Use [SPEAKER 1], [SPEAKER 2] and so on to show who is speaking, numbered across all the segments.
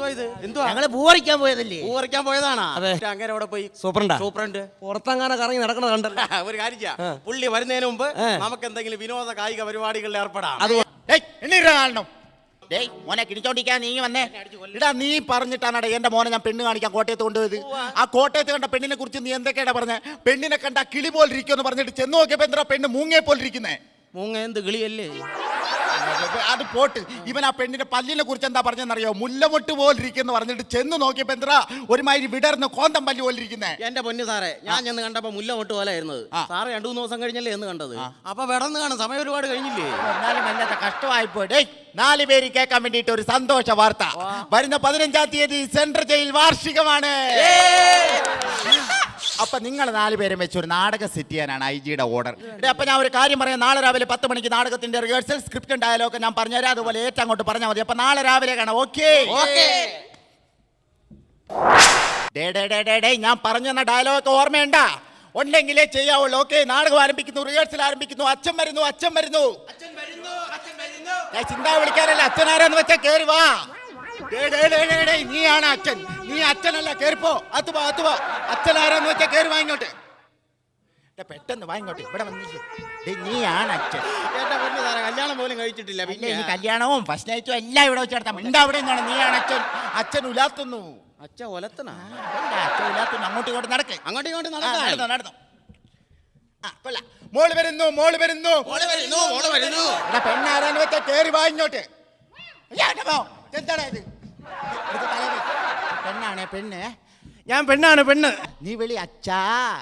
[SPEAKER 1] ഞങ്ങള് പൂവറിക്കാൻ പോയതല്ലേ?
[SPEAKER 2] പൂവറിക്കാൻ പോയതാണാ? അങ്ങനെ അവിടെ പോയി സൂപ്രണ്ട്
[SPEAKER 3] പുറത്തങ്ങനെ കറങ്ങി നടക്കണ കണ്ടല്ലോ.
[SPEAKER 2] ഒരു കാര്യം, പുള്ളി വരുന്നതിന് മുമ്പ് നമുക്ക് എന്തെങ്കിലും വിനോദ കായിക പരിപാടികളിൽ ഏർപ്പെടാം.
[SPEAKER 1] കാണണം. മോനെ കിടിച്ചോണ്ടിരിക്കാൻ നീ വന്നേ. ഇടാ, നീ പറഞ്ഞിട്ടാണ് എന്റെ മോനെ ഞാൻ പെണ്ണ് കാണിക്കാൻ കോട്ടയത്ത് കൊണ്ടുപോയത്. ആ കോട്ടയത്ത് കണ്ട പെണ്ണിനെ കുറിച്ച് നീ എന്തൊക്കെയാണ് പറഞ്ഞ? പെണ്ണിനെ കണ്ട കിളി പോലിരിക്കുമെന്ന് പറഞ്ഞിട്ട് ചെന്ന് നോക്കിയപ്പോ എന്താ പെണ്ണ് മൂങ്ങയെ പോലിരിക്കുന്നേ?
[SPEAKER 2] മൂങ്ങ എന്ത് കിളിയല്ലേ?
[SPEAKER 1] അത് പോട്ട്. ഇവൻ ആ പെണ്ണിന്റെ പല്ലിനെ കുറിച്ച് എന്താ പറഞ്ഞെന്നറിയോ? മുല്ലമൊട്ട് പോലിരിക്കുന്നു പറഞ്ഞിട്ട് ചെന്ന് നോക്കിയപ്പോ എന്താ ഒരുമാതിരി വിടർന്ന് കോന്തം പല്ല് പോലിരിക്കുന്നേ.
[SPEAKER 2] എന്റെ പൊന്നു സാറേ, ഞാൻ ചെന്ന് കണ്ടപ്പോ മുല്ലമൊട്ട് പോലെ ആയിരുന്നത്. സാറ് 2-3 ദിവസം കഴിഞ്ഞല്ലേ എന്ന് കണ്ടത്? അപ്പൊ വിടന്ന് കാണും, സമയം ഒരുപാട് കഴിഞ്ഞില്ലേ?
[SPEAKER 1] എന്നാലും വല്ലാത്ത കഷ്ടമായിപ്പോയി. 4 പേര് കേൾക്കാൻ വേണ്ടിട്ട് ഒരു സന്തോഷ വാർത്ത. വരുന്ന 15-ാം തീയതി സെൻട്രൽ ജയിൽ വാർഷികമാണ്. അപ്പൊ നിങ്ങൾ 4 പേരും വെച്ച് ഒരു നാടകം സെറ്റ് ചെയ്യാനാണ് IG-യുടെ ഓർഡർ. അപ്പൊ ഞാൻ ഒരു കാര്യം പറയാം. നാളെ രാവിലെ 10 മണിക്ക് നാടകത്തിന്റെ റിഹേഴ്സൽ, സ്ക്രിപ്റ്റും ഡയലോഗ് ഞാൻ പറഞ്ഞുതരാം. അതുപോലെ ഏറ്റവും അങ്ങോട്ട് പറഞ്ഞാൽ മതി. അപ്പൊ നാളെ രാവിലെ കാണാം. ഓക്കെ? ഞാൻ പറഞ്ഞ ഡയലോഗ് ഓർമ്മയുണ്ടാ? ഉണ്ടെങ്കിലേ ചെയ്യാവുള്ളൂ. ഓക്കെ? നാടകം ആരംഭിക്കുന്നു, റിഹേഴ്സൽ ആരംഭിക്കുന്നു. അച്ഛൻ വരുന്നു, അച്ഛൻ വരുന്നു. ചിന്ത വിളിക്കാനല്ല, അച്ഛനാരാന്ന് വെച്ചാ കേറി വാ. നീയാണ് അച്ഛൻ, നീ അച്ഛനല്ല, കേറിപ്പോ. അത്തുവാ അച്ഛനാരാന്ന് വെച്ചാ കേറി വാങ്ങിക്കോട്ടെ. പെട്ടെന്ന് വാങ്ങിക്കോട്ടെ. ഇവിടെ വന്നില്ലേ? നീയാണ് അച്ഛൻ.
[SPEAKER 2] കല്യാണം പോലും കഴിച്ചിട്ടില്ല.
[SPEAKER 1] പിന്നെ ഈ കല്യാണവും ഫസ്റ്റ് നൈറ്റും എല്ലാം ഇവിടെ വെച്ച് നടത്താം. മിണ്ട അവിടെ നിന്നാണ്. നീയാണ് അച്ഛൻ. അച്ഛൻ ഉലാത്തുന്നു.
[SPEAKER 2] അച്ഛൻ ഒലത്തനാ?
[SPEAKER 1] അച്ഛൻ ഉലാത്തുന്നു. അങ്ങോട്ടും ഇങ്ങോട്ട് നടക്ക്.
[SPEAKER 2] അങ്ങോട്ടും ഇങ്ങോട്ട് നടന്നു.
[SPEAKER 1] മോള് വരുന്നു. പെണ്ണാരാന്ന് വെച്ചാ കേറി വാങ്ങിക്കോട്ടെ. എന്താടാ ഇത്? പെണ്ണാണേ പെണ്ണ്.
[SPEAKER 3] ഞാൻ പെണ്ണാണ്, പെണ്ണ്.
[SPEAKER 1] നീ വിളി അച്ഛാ.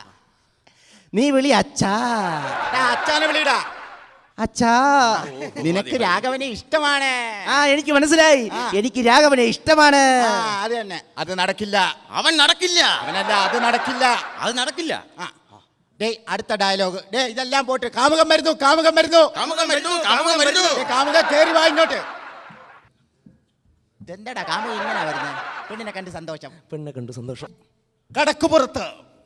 [SPEAKER 3] അച്ഛാനെ വിളിയിടാ.
[SPEAKER 1] അച്ഛാ, നിനക്ക് രാഘവനെ ഇഷ്ടമാണ്.
[SPEAKER 3] എനിക്ക് മനസ്സിലായി. എനിക്ക് രാഘവനെ ഇഷ്ടമാണ്.
[SPEAKER 1] അത് തന്നെ. അത് നടക്കില്ല.
[SPEAKER 2] അവൻ നടക്കില്ല.
[SPEAKER 1] അവനല്ല, അത് നടക്കില്ല.
[SPEAKER 2] അത് നടക്കില്ല.
[SPEAKER 1] അടുത്ത ഡയലോഗ്. ഇതെല്ലാം പോട്ട്. കാമുകം വരുന്നു. കാമുക കേറി വാങ്ങിക്കോട്ടെ. എന്താടാ കാമുക ഇങ്ങനെ വരുന്നത്? പെണ്ണിനെ കണ്ട് സന്തോഷം. കടക്കുപുറത്ത്.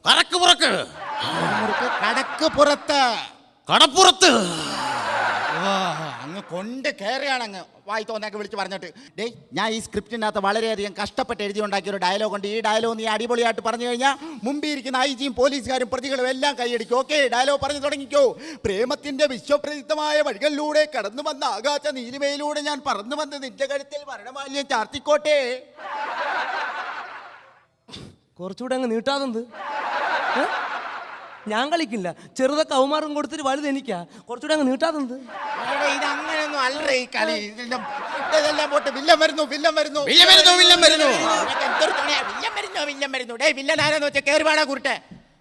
[SPEAKER 1] അങ്ങ് കൊണ്ട് കയറിയാണ്. അങ്ങ് വായി തോന്നൊക്കെ വിളിച്ച് പറഞ്ഞിട്ട് ഞാൻ ഈ സ്ക്രിപ്റ്റിനകത്ത് വളരെയധികം കഷ്ടപ്പെട്ട് എഴുതി ഉണ്ടാക്കിയ ഒരു ഡയലോഗ് ഉണ്ട്. ഈ ഡയലോഗ് നീ അടിപൊളിയായിട്ട് പറഞ്ഞു കഴിഞ്ഞാൽ മുമ്പിൽ ഇരിക്കുന്ന IG-യും പോലീസുകാരും പ്രതികളും എല്ലാം കൈയടിക്കും. ഓക്കെ? ഡയലോഗ് പറഞ്ഞു തുടങ്ങിക്കോ. പ്രേമത്തിന്റെ വിശ്വപ്രസിദ്ധമായ വഴികളിലൂടെ കടന്നു വന്ന ആകാശ നീലിമയിലൂടെ ഞാൻ പറന്നു വന്ന് നിന്റെ കഴുത്തിൽ മരണമാല്യം ചാർത്തിക്കോട്ടെ.
[SPEAKER 3] കുറച്ചുകൂടെ അങ്ങ് നീട്ടാതെന്ത്? ഞാൻ കളിക്കില്ല. ചെറുതൊക്കെ അവമാർഗം കൊടുത്തിട്ട് വലുത് എനിക്കാ. കുറച്ചുകൂടെ അങ്ങ് നീട്ടാതെന്ത്?
[SPEAKER 1] ഇത് അങ്ങനെയൊന്നും അല്ല ഈ കളി. ഇതെല്ലാം പോട്ട്. വില്ലൻ വരുന്നു. വില്ലൻ ആരാന്ന് വെച്ചാൽ കേറി വാടാ കുരുട്ടെ.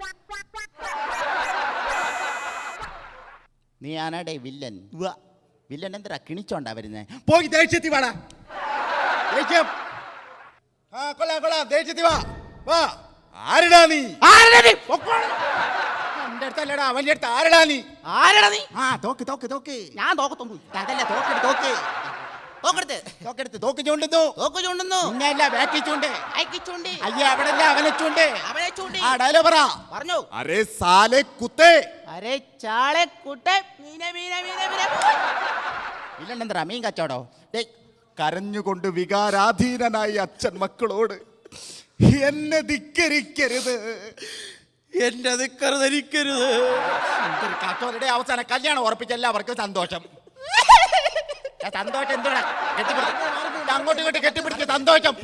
[SPEAKER 1] നീ ആനാടേ വില്ലൻ? വില്ലൻ എന്താ കിണിച്ചോണ്ടാ വരുന്നേ? പോയി ദേഷ്യത്തി വാടാ. ദേഷ്യം. കൊള്ളാം. ദേഷ്യത്തി വാ. ആരടാ നീ? എന്റെ അടുത്തല്ലടാ, അവന്റെ അടുത്ത്. ആരടാ നീ? തോക്ക്. ഞാൻ തോക്കത്തൊന്നും. അതല്ല, തോക്കെടുത്ത് തോക്ക് ചൂണ്ടുന്നു. ഇന്നല്ല ബാക്കി ചൂണ്ട്. അയ്യ അവിടല്ല, അവനെ ചൂണ്ട്. ആ ഡയലോഗ് പറ.
[SPEAKER 2] പറഞ്ഞു.
[SPEAKER 1] അരേ സാലെ കുത്തേ. ഇല്ലെന്താ മീൻ കച്ചവടോ? കരഞ്ഞുകൊണ്ട് വികാരാധീനനായി അച്ഛൻ മക്കളോട് എന്നെ ധിക്കരിക്കരുത്. അവസാന കല്യാണം ഉറപ്പിച്ച എല്ലാവർക്കും സന്തോഷം. എന്താണ്? അങ്ങോട്ടും ഇങ്ങോട്ട് കെട്ടിപ്പിടിച്ച് സന്തോഷം.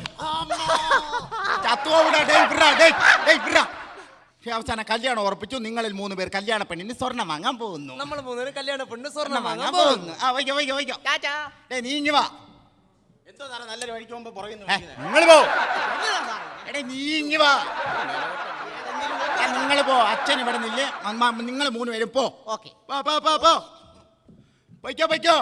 [SPEAKER 1] അവസാന കല്യാണം ഉറപ്പിച്ചു. നിങ്ങളിൽ 3 പേർ കല്യാണ പെണ്ണിന് സ്വർണ്ണം വാങ്ങാൻ പോകുന്നു.
[SPEAKER 3] നമ്മൾ 3 പേര് കല്യാണ പെണ്ണ് സ്വർണ്ണം വാങ്ങാൻ
[SPEAKER 1] പോകുന്നു. നീ ഇങ്ങ് വാ.
[SPEAKER 2] നല്ലൊരു വഴിക്ക് പോകുമ്പോ പറയുന്നു.
[SPEAKER 1] നിങ്ങൾ പോ. നീ ഇങ്ങ് വാ. നിങ്ങൾ പോ. അച്ഛൻ ഇവിടെ നില്ലേ. നിങ്ങൾ 3 പേരും പോ. പൊയ്ക്കോ.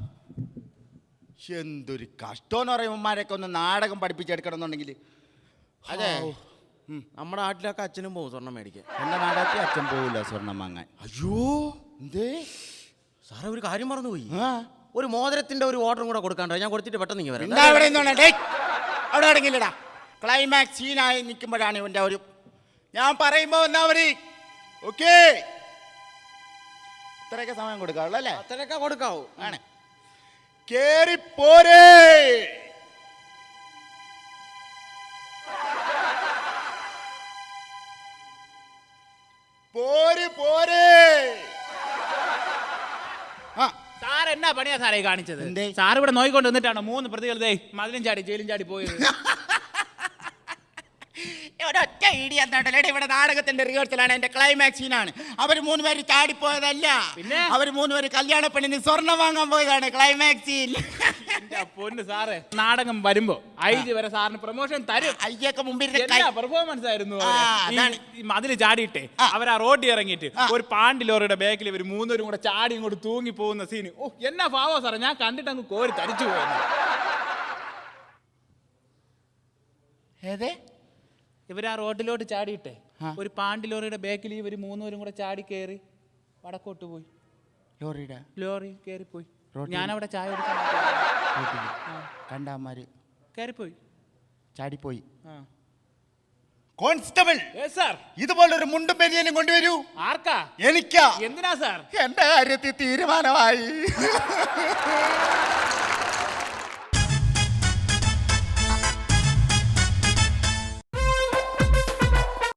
[SPEAKER 1] എന്തൊരു കഷ്ടമെന്ന് പറയുമ്പോമാരൊക്കെ ഒന്ന് നാടകം പഠിപ്പിച്ചെടുക്കണമെന്നുണ്ടെങ്കിൽ. അതെ,
[SPEAKER 2] നമ്മുടെ നാട്ടിലൊക്കെ അച്ഛനും പോകും സ്വർണം മേടിക്കാൻ.
[SPEAKER 1] എന്റെ നാടകത്തിൽ അച്ഛൻ പോവില്ല സ്വർണം വാങ്ങാൻ.
[SPEAKER 2] അയ്യോ, എന്തേ സാറേ, ഒരു കാര്യം മറന്നുപോയി. ഒരു മോതിരത്തിന്റെ ഒരു ഓർഡറും കൂടെ കൊടുക്കാണ്ടോ? ഞാൻ കൊടുത്തിട്ട് പെട്ടെന്ന് നീ വരാം.
[SPEAKER 1] അവിടെ അടങ്ങില്ലടാ. ക്ലൈമാക്സ് സീനായി നിൽക്കുമ്പോഴാണ് ഇവന്റെ ഒരു ഞാൻ പറയുമ്പോ എന്നാ മതി. ഓക്കേ, ഇത്രയൊക്കെ സമയം കൊടുക്കാവുള്ളൂ അല്ലേ?
[SPEAKER 2] അത്രയൊക്കെ കൊടുക്കാവൂ.
[SPEAKER 1] ആണ്. കേറി പോരേ. പോരേ. ആ,
[SPEAKER 4] സാർ എന്നാ പണിയാ സാറേ കാണിച്ചത്?
[SPEAKER 1] എന്തേ?
[SPEAKER 4] സാർ ഇവിടെ നോയിക്കൊണ്ട് നിന്നിട്ടാണോ 3 പ്രതികൾ ദേ മതിലും ചാടി ജയിലും ചാടി പോയത്?
[SPEAKER 1] ഒരൊറ്റ ഇടി എന്നിട്ടല്ലേ ഇവിടെ നാടകത്തിന്റെ റിഹേഴ്സലാണ്, എന്റെ ക്ലൈമാക്സ് സീനാണ്. അവർ 3 പേര് ചാടിപ്പോയതല്ല,
[SPEAKER 4] പിന്നെ
[SPEAKER 1] അവർ 3 പേര് കല്യാണ പെണ്ണിന് സ്വർണം വാങ്ങാൻ പോയതാണ് ക്ലൈമാക്സ് സീൻ.
[SPEAKER 4] എന്റെ പൊന്ന് സാറേ, നാടകം വരുമ്പോ IG വരെ സാറിന് പ്രൊമോഷൻ തരും.
[SPEAKER 1] അയ്യൊക്കെ മുമ്പിൽ
[SPEAKER 4] പെർഫോമൻസ് ആയിരുന്നു.
[SPEAKER 1] ആ, അതാണ്.
[SPEAKER 4] ഈ മതില് ചാടിയിട്ടേ അവർ ആ റോഡിൽ ഇറങ്ങിയിട്ട് ഒരു പാണ്ടി ലോറിയുടെ ബാക്കിൽ ഇവർ 3 പേരും കൂടെ ചാടി ഇങ്ങോട്ട് തൂങ്ങി പോകുന്ന സീന്. ഓ എന്നാ പാവോ സാറേ, ഞാൻ കണ്ടിട്ട് അങ്ങ് കോരി തരിച്ചു പോയെന്ന്.
[SPEAKER 1] ഏതേ
[SPEAKER 4] ഇവർ ആ റോഡിലോട്ട് ചാടിയിട്ടെ ഒരു പാണ്ടി ലോറിയുടെ ബാക്കിൽ ഇവർ 3 പേരും കൂടെ ചാടി കയറി വടക്കോട്ട് പോയി.
[SPEAKER 1] ലോറിയുടെ
[SPEAKER 4] ലോറി കയറിപ്പോയി.
[SPEAKER 1] റോഡിൽ?
[SPEAKER 4] ഞാനവിടെ ചായ എടുക്കാൻ
[SPEAKER 1] കണ്ടാമാര്
[SPEAKER 4] കയറിപ്പോയി.
[SPEAKER 1] ചാടിപ്പോയി.
[SPEAKER 4] ആ.
[SPEAKER 1] കോൺസ്റ്റബിൾ,
[SPEAKER 4] സാർ
[SPEAKER 1] ഇതുപോലൊരു മുണ്ടും ബനിയനും കൊണ്ടുവരൂ.
[SPEAKER 4] ആർക്കാ?
[SPEAKER 1] എനിക്കാ.
[SPEAKER 4] എന്തിനാ സാർ?
[SPEAKER 1] എന്റെ കാര്യത്തിൽ തീരുമാനമായി.